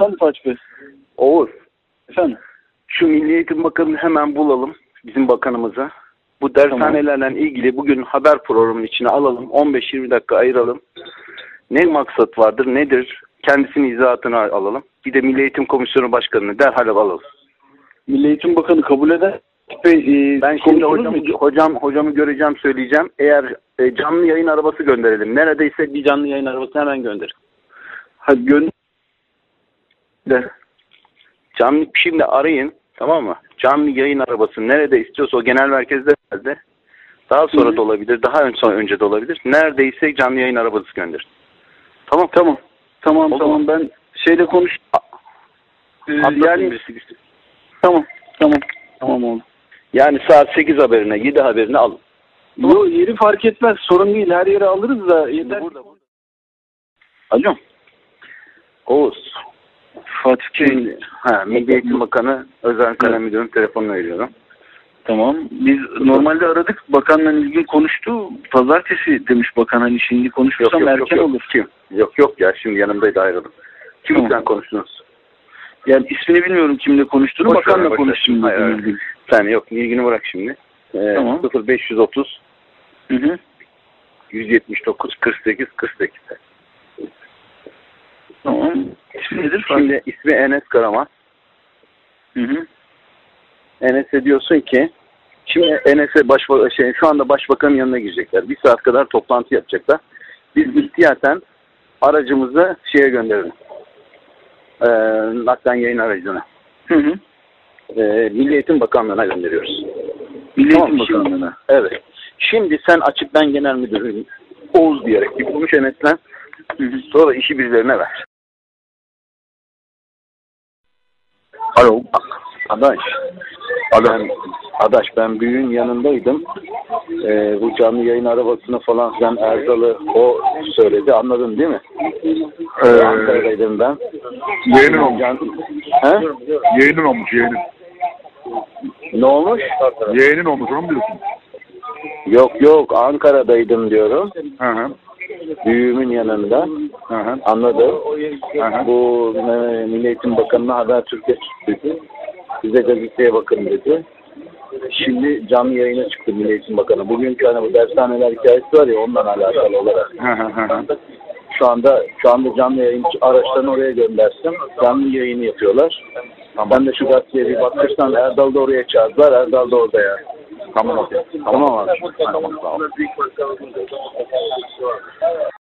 Efendim Fatih Bey. Oğuz, Efendim. şu Milli Eğitim Bakanı'nı hemen bulalım, bizim bakanımıza. Bu dershanelerle ilgili bugün haber programının içine alalım. 15-20 dakika ayıralım. Ne maksat vardır, nedir? Kendisinin izahatını alalım. Bir de Milli Eğitim Komisyonu Başkanı'nı derhal alalım. Milli Eğitim Bakanı kabul eder. Ben şimdi hocamı göreceğim, söyleyeceğim. Eğer canlı yayın arabası gönderelim. Neredeyse bir canlı yayın arabası hemen gönder. Hadi gönder. Canlı şimdi arayın, tamam mı? Canlı yayın arabası nerede istiyorsa, o genel merkezde nerede? Daha sonra da olabilir, daha önce de olabilir. Neredeyse canlı yayın arabası gönder. Tamam. Tamam ben şeyle konuş. Yani Tamam oğlum. yani saat 8 haberine, 7 haberine alın. Yok, yeri fark etmez. Sorun değil. Her yere alırız da yeter. Burada. Alo. Oğuz. Fatih Bey. Şimdi, Milli Eğitim Bakanı Özel Kalem Müdürü'nün telefonunu veriyorum. Tamam. Biz normalde aradık. Bakanla ilgili konuştu. Pazartesi demiş bakan, hani şimdi konuşursam erken olur. Kim? Yok ya, şimdi yanımdaydı, ayrıldım. Kimle konuştunuz? Yani ismini bilmiyorum kimle konuştuğunu. Bakanla konuştum. Hayır. Sen yok, ilgini bırak şimdi. Tamam. 0530 179 48 48. Tamam. İsmi nedir? Şimdi ismi Enes Karaman. Enes'e diyorsun ki, şimdi Enes'e şu anda başbakanın yanına girecekler. Bir saat kadar toplantı yapacaklar. Biz ihtiyaten aracımızı gönderelim. Naklen yayın aracına. Milli Eğitim Bakanlığı'na gönderiyoruz. Milli Eğitim Bakanlığı'na. Evet. Şimdi sen açık, ben genel müdürüm Oğuz diyerek bir konuş Enes'le. Sonra işi birilerine ver. Alo. Adaş, ben büyüğün yanındaydım. Bu canlı yayın arabasını falan sen Erdal'ı o söyledi. Anladın değil mi? Ankara'daydım ben. Yeğenin olmuş. He? Yeğenin olmuş, yeğenin. Ne olmuş? Yeğenin olmuş, onu mu diyorsun? Yok, Ankara'daydım diyorum. Hı. Büyüğümün yanında. Hı. Anladım. Hı. Bu Milli Eğitim Bakanı'na Habertürk'e çıktı. Bize gazeteye bakın dedi. Şimdi canlı yayına çıktı Milli Eğitim Bakanı. Bugünkü bu dershaneler hikayesi var ya, ondan alakalı olarak. Hı. Şu anda canlı yayın araçlarını oraya göndersin. Canlı yayını yapıyorlar. Tamam. Ben de şu gazeteye bir bakırsan, Erdal da oraya çağırdılar. Erdal da orada ya. Tamam. Tamam abi. Tamam, sağ ol.